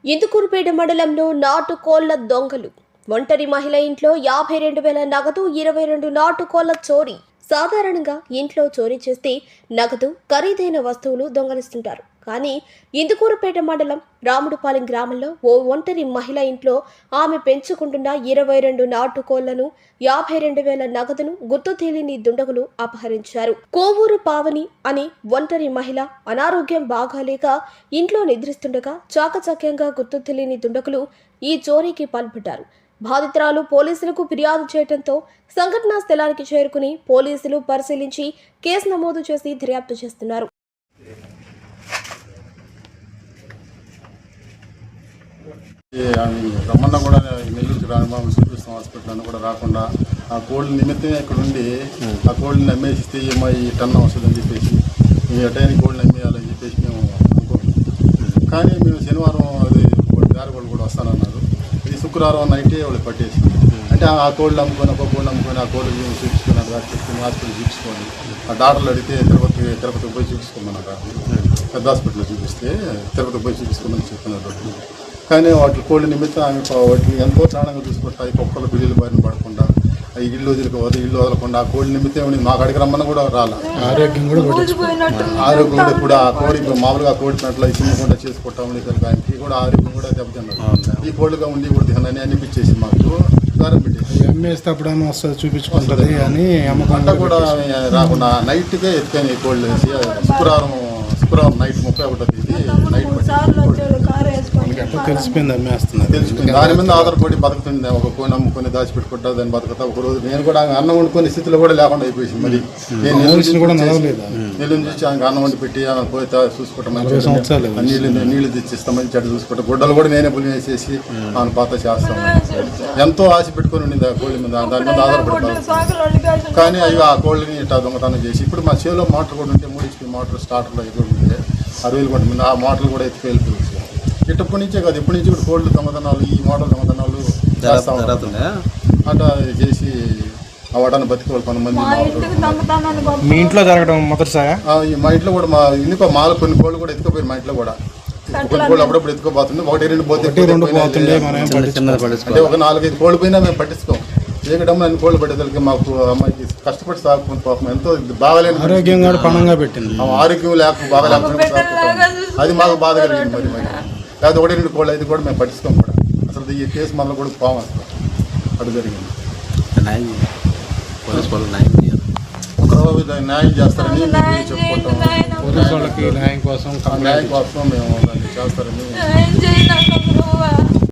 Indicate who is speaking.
Speaker 1: ఇందుకూరుపేట మండలంలో నాటుకోళ్ల దొంగలు. ఒంటరి మహిళ ఇంట్లో 52,000 నగదు, 22 నాటుకోళ్ల చోరీ. సాధారణంగా ఇంట్లో చోరీ చేస్తే నగదు, ఖరీదైన వస్తువులు దొంగలిస్తుంటారు. కానీ ఇందుకూరుపేట మండలం రాముడుపాలెం గ్రామంలో ఓ ఒంటరి మహిళ ఇంట్లో ఆమె పెంచుకుంటున్న 22 నాటుకోళ్లను, 52,000 నగదును గుర్తు తెలియని దుండగులు అపహరించారు. కోవూరు పావని అనే ఒంటరి మహిళ అనారోగ్యం బాగాలేక ఇంట్లో నిద్రిస్తుండగా చాకచక్యంగా గుర్తు తెలియని దుండగులు ఈ చోరీకి పాల్పడ్డారు. బాధితురాలు పోలీసులకు ఫిర్యాదు చేయడంతో సంఘటనా స్థలానికి చేరుకుని పోలీసులు పరిశీలించి కేసు నమోదు చేసి దర్యాప్తు చేస్తున్నారు.
Speaker 2: రమ్మన్న కూడా నెల్లూరు రామబాబు శ్రీకృష్ణ హాస్పిటల్ అని కూడా రాకుండా ఆ కోళ్ళ నిమిత్తమే ఇక్కడ ఉండి ఆ కోళ్ళని అమ్మేసిస్తే ఈ టన్ వస్తుందని చెప్పేసి ఈ టైంకి కోళ్ళని అమ్మేయాలని చెప్పేసి మేము అనుకుంటున్నాం. కానీ మేము శనివారం అది వేరే వాళ్ళు కూడా వస్తానన్నారు. ఇది శుక్రవారం నైటే వాళ్ళు పట్టేసి అంటే ఆ కోళ్ళు అమ్ముకొని ఒక కోళ్ళు అమ్ముకొని ఆ కోళ్ళు చూపించుకొని అక్కడ చెప్పుకొని హాస్పిటల్ చూపించుకోండి. ఆ డాక్టర్లు అడిగితే తిరుపతికి పోయి చూపించుకోమన్నారు. పెద్ద హాస్పిటల్లో చూపిస్తే తిరుపతికి పోయి చూపించుకోమని చెప్తున్నారు. కానీ వాటి కోళ్ళ నిమిత్తం ఆమె వాటిని ఎంతో ప్రాణంగా చూసుకుంటా ఈ కుక్కలు బిల్లులు బారిన పడకుండా ఇల్లు వదలకుండా ఆ కోళ్ళ నిమిత్తం మాకు అడిగి రమ్మని కూడా రాలా. ఆరోగ్యం కూడా ఇప్పుడు ఆ కోడి మామూలుగా కోడి పెంటలు చిన్నకుండా చేసుకుంటా ఉండే కనుక ఆయనకి కూడా ఆరోగ్యం కూడా దెబ్బతిన్నారు. ఈ కోళ్ళుగా ఉండి కూడా తినని అనిపించేసి మాకు దారం పెట్టేసి
Speaker 3: అమ్మేస్తేప్పుడేమో వస్తుంది చూపించుకుంటుంది అని
Speaker 2: పంట కూడా రాకుండా నైట్కే ఎత్తుకొని కోళ్ళు వేసి శుక్రవారం నైట్ 31వ తేదీ నైట్
Speaker 3: తెలిసిపోయింది అమ్మేస్తున్నారు.
Speaker 2: తెలుసుకుంది దాని మీద ఆధారపడి బతుకుతుంది. ఒక కోడి అమ్ముకొని దాచిపెట్టుకుంటా దాన్ని బతుకుతా. ఒక రోజు నేను కూడా అన్నం వండుకునే స్థితిలో కూడా లేకుండా అయిపోయింది. మరి నేను నెల్లూరు నుంచి ఆమె అన్నం వండి పెట్టి ఆమె పోయి చూసుకుంటాం, నీళ్లు తెచ్చిస్తామని చెడ్డ చూసుకుంటాం. గుడ్డలు కూడా నేనే పులి వేసేసి ఆమె పాత చేస్తాం. ఎంతో ఆశ పెట్టుకుని ఉండింది ఆ కోళ్ళ మీద, దాని మీద ఆధారపడతాం. కానీ అవి ఆ కోళ్ళని ఇట్లా దొంగతనం చేసి ఇప్పుడు మా చేలో మోటార్ కూడా ఉంటే 3 HP మోటార్ స్టార్టర్లో ఎదురు ఉంటే 60,000 కొంత మీద ఆ మోటార్లు కూడా ఎత్తుకు వెళ్ళిపోయి ఇప్పటి నుంచే కాదు ఎప్పటి నుంచి కూడా కోళ్ళు దొంగతనాలు ఈ మోటార్ దొంగతనాలు అట్లా చేసి అవడానికి బతికోవాలి కొంతమంది.
Speaker 3: మీ ఇంట్లో జరగడం మొదటిసారి
Speaker 2: మా ఇంట్లో కూడా మా ఇంట్లో కొన్ని కోళ్ళు కూడా ఎత్తుకుపోయి మా ఇంట్లో కూడా కొన్ని కోళ్ళు అప్పుడప్పుడు ఎత్తుకోబోతుంది. 1-2 పోతే అంటే ఒక 4-5 కోళ్ళు పోయినా మేము పట్టించుకోం. ఏకడమ్మ అన్ని కోళ్ళు పట్టేదానికి మాకు అమ్మాయికి కష్టపడి సాగుకుని పాపం ఎంతో బాగాలేని
Speaker 3: ఆరోగ్యంగా పణంగా పెట్టింది.
Speaker 2: ఆరోగ్యం బాగాలేకపోతే అది మాకు బాధ కలిగింది. మరి లేకపోతే 1-2 కోళ్ళు అయితే కూడా మేము పట్టించుకోం కూడా. అసలు ఈ కేసు మనలో కూడా పాము అసలు అటు జరిగింది. ఒకరోజు న్యాయం చేస్తారని చెప్పుకుంటాం.
Speaker 3: పోలీసు వాళ్ళకి న్యాయం కోసం
Speaker 2: మేము దాన్ని చేస్తారని